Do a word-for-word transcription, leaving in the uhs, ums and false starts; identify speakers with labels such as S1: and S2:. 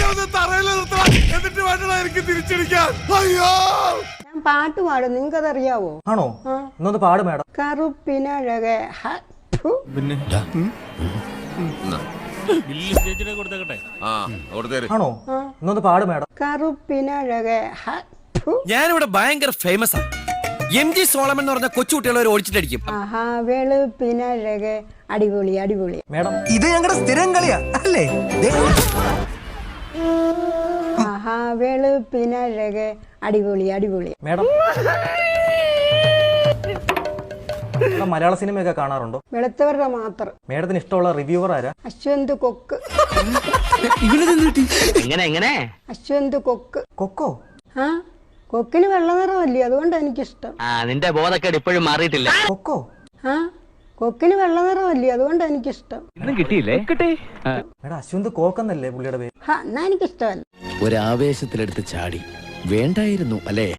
S1: എന്നിട്ട് വേണ്ട എനിക്ക് തിരിച്ചടിക്കാൻ. അയ്യോ
S2: ഞാൻ പാട്ട് പാടും, നിങ്ങൾക്കതറിയാവോ?
S3: ആണോ? എന്നൊന്ന് പാട് മാഡം.
S2: കറുപ്പിനഴകെ
S1: പിന്നെ
S3: ആണോ? എന്നൊന്ന് പാട് മാഡം.
S2: കറുപ്പിനഴകെ
S4: ഞാനിവിടെ ഭയങ്കര ഫേമസ് ആണ്. എം ജി സോളമൻ എന്ന് പറഞ്ഞ കൊച്ചുകുട്ടികളെ ഓടിച്ചിട്ടടിക്കും.
S2: ആഹാ വെളുപ്പിനഴകെ അടിപൊളി അടിപൊളി.
S3: മാഡം
S5: ഇത് ഞങ്ങളുടെ സ്ഥിരം കളിയാ അല്ലേ?
S2: ആഹാ വെളുപ്പിനഴകെ അടിപൊളി അടിപൊളി.
S3: മാഡം മലയാള സിനിമയൊക്കെ കാണാറുണ്ടോ?
S2: വെളുത്തവരുടെ മാത്രം.
S3: മാഡത്തിന് ഇഷ്ടമുള്ള റിവ്യൂവർ ആരാ?
S2: അശ്വന്ത് കൊക്ക്.
S6: എങ്ങനെ എങ്ങനെ
S2: അശ്വന്ത് കൊക്ക്.
S3: കൊക്കോ?
S2: ആ കൊക്കിന് വെള്ള നിറമല്ലേ, അതുകൊണ്ടാണ് എനിക്കിഷ്ടം.
S6: ആ നിന്റെ ബോധക്കേട് ഇപ്പോഴും മാറിയിട്ടില്ല.
S3: കൊക്കോ?
S2: ആ കൊക്കിന് വെള്ള നിറമല്ലേ, അതുകൊണ്ടാണ് എനിക്കിഷ്ടം.
S6: ഇന്നും കിട്ടിയില്ലേ? കിട്ടി.
S3: മാഡം അശ്വന്ത് കോക്കെന്നല്ലേ പുള്ളിയുടെ പേര്?
S2: ഹാ എന്നാ എനിക്കിഷ്ടമല്ല.
S7: ഒരാവേശത്തിലെടുത്ത് ചാടി വേണ്ടായിരുന്നു അല്ലേ?